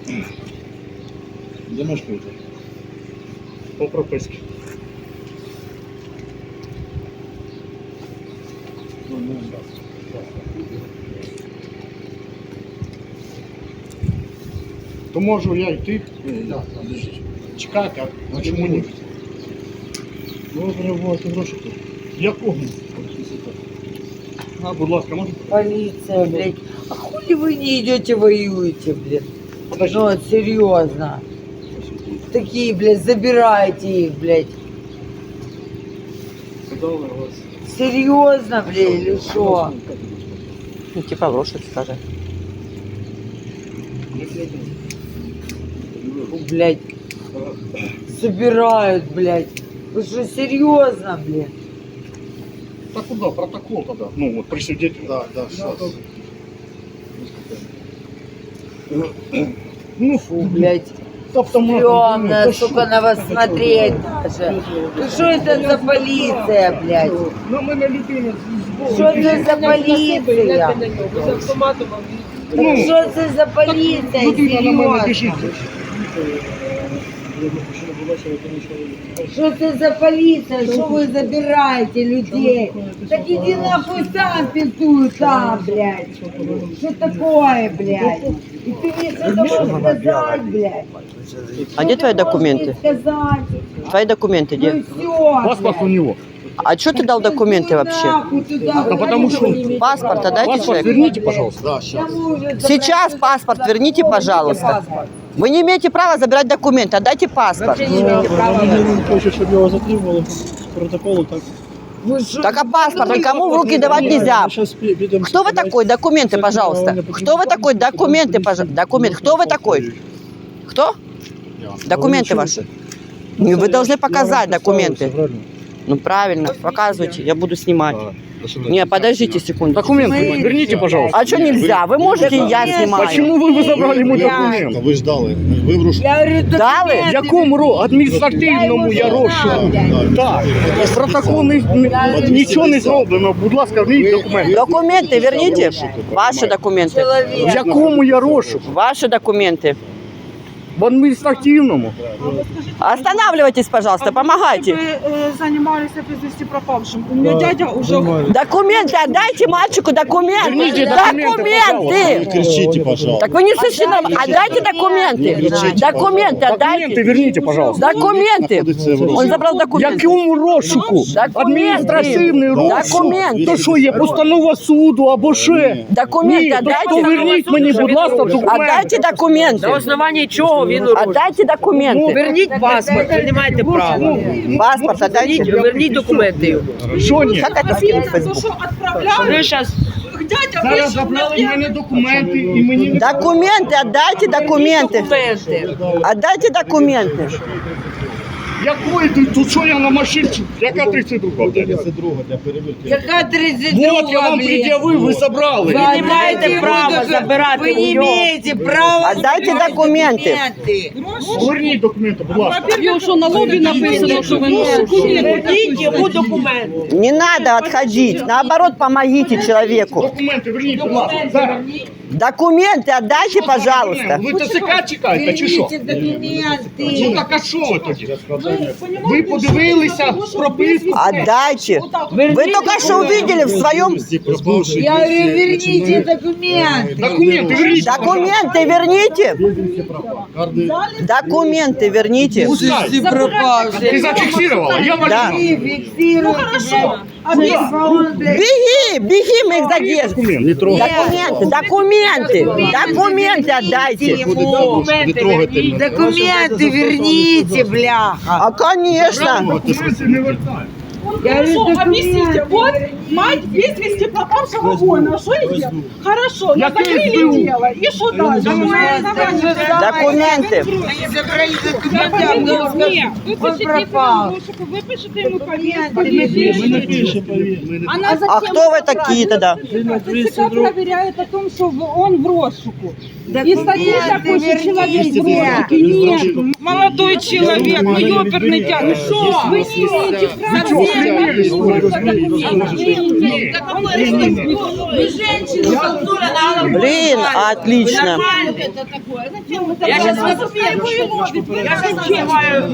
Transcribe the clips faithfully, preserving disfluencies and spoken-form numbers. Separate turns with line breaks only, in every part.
Де мешкаєте?
По прописці. То можу я йти, чекати, а чому ні?
Добре, вот, гроші тут.
Якого? А, будь ласка, можете?
Полиция, блядь. А хули вы не идете воюете, блядь?
Подожди.
Ну, вот серьезно. Такие, блядь, забирайте их, блядь. Серьезно, блядь, или что?
Ну, типа лошадь, скажи.
Блядь. Забирают, блядь. Вы что, серьезно, блядь?
Так куда? Протокол тогда. Ну, вот при свидетеле.
Да, да, сейчас.
Ну,
Фу, блядь.
автомат.
Стрёмно, сука, на вас смотреть даже. Ну что это за полиция, блядь?
Ну, ми на людину.
Что это за полиция? Ну что это за полиция,
Людина на мене біжить.
серьезно? Что это за полиция? Что вы забираете людей? Так иди нахуй сам пиздуй там, блядь. Что такое, блядь? И ты мне что-то можешь сказать, блядь?
А где твои документы?
Сказать.
Твои документы
Ну
где?
все,
Паспорт у него.
А что ты дал документы вообще?
Да потому что...
Паспорт отдайте
Паспорт
человеку.
верните, пожалуйста.
Да, сейчас.
Сейчас паспорт верните, пожалуйста. Вы не имеете права забирать документы, отдайте паспорт.
Він хоче, щоб його затримали з протоколу, так.
Так а паспорт никому в руки давать нельзя.
Сейчас підемо.
Кто вы такой? Документы, пожалуйста. Кто вы такой? Документы, пожалуйста. Документ. Кто вы такой? Кто? Документы ваши. Ну, Вы должны показать документы. Ну правильно, показывайте, я буду снимать. Не, подождите секунду.
Документы верните, пожалуйста.
А что нельзя? Вы можете, я снимаю.
Почему вы, вы забрали мой документ?
Ви ж дали. Ви в руш...
Я говорю,
Дали?
В якому ро... адміністративному я розшуку? Так. Протокол не, не, нічого не зроблено. Будь ласка, верніть документи.
Документы верните. Ваши документы.
В якому я розшуку?
Ваши документы.
В адміністративному.
Останавливайтесь, пожалуйста, помогайте.
Вы э, занимались безвести пропавшим. У меня дядя уже...
Документы отдайте мальчику, документы.
Верните документы,
Документы.
Не кричите, пожалуйста.
Так вы не слышите, нам- отдайте документы. Документы
Документы
отдайте.
верните, пожалуйста.
Документы. Он забрал
В
документы.
якому розшуку? Адміністративний розшук.
Документи.
То що є постанова суду або ще?
Документы
Ні, то
отдайте.
верніть мені, будь ласка, документи.
Отдайте документы.
На основании чего він урочить?
Отдайте документы.
Верніть паспорт, ви не маєте права.
Паспорт отдайте.
Верніть, верніть документи його.
Що ні?
Как это скинуть в
То,
Facebook?
что отправляли,
Ви зараз
дядя
Зараз
вышел
забрали в
на
мене документи і мені не...
Документы, отдайте документы.
документи.
Отдайте документы.
Якої ти? Тут що я на машинці? Яка тридцять друга?
тридцять друга для перевірки.
Яка тридцять друга,
Вот, я вам
блін?
пред'явив, ви забрали.
Ви
не маєте права забирати
Ви
у
не
нього.
маєте права
Отдайте
забирати
документи.
документи.
Верніть документи, будь ласка.
Во-первых, что на лобі написано, що ви
Верніть йому документи.
Не надо отходить. Наоборот, помогите человеку.
Документи верніть, будь ласка. Зараз.
Документы отдайте, пожалуйста.
Ви ТЦК чекаєте, чи що?
Верніть документи.
Ну так а що ви тоді? Ви подивилися прописку?
Отдайте. Вы только что увидели в своем...
Я говорю, верните документи.
Документи верніть.
Документы верните. Документы верните.
Пускай. Ти
пропавший.
зафіксувала? Я
Да.
валю.
Фиксируйте, блядь. Телефон, блядь.
Беги, беги, мы их задержим.
Документ, не трогай.
Документы, документы, документы отдайте.
Не трогайте мене.
Документы верните, бляха.
А, конечно.
Документи не вертай.
Я говорю,
Хорошо, объясните,
документы.
вот мать без вести пропавшего воина, что я Хорошо,
Я
закрыли
пизду.
дело, и что дальше?
Документы.
Они забрали документы,
Нет,
он пропал.
вы пишете ему
Документы.
Ми не пишемо, повір. Ми не
А кто вы такие тогда?
ТЦК проверяет о том, что он в розшуку. И статьи такой, что человек в розшуке. Нет, молодой человек, ну ёперный тян, ну что? Вы не имеете права.
Вы женщину толкнули на голову.
Блин, отлично.
Я сейчас вас Я сейчас снимаю.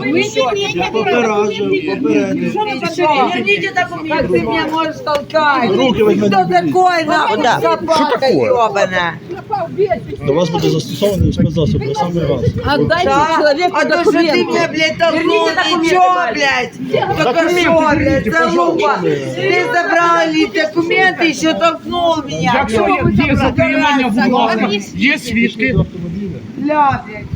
Верните документы. Как ты меня можешь толкать?
Руки возьми.
Кто такой, нахуй,
Куда?
собака
такое?
ебаная?
До вас буде застосований спецзасоб на самий раз.
Отдайте
Да?
человеку
А то, что ты меня, блядь, толкнул, ничего, блядь. Только что, блядь, залупа. Ты забрал ли документы, еще толкнул меня.
Якщо є, є запитання, будь ласка, є свідки.
Бля, блядь.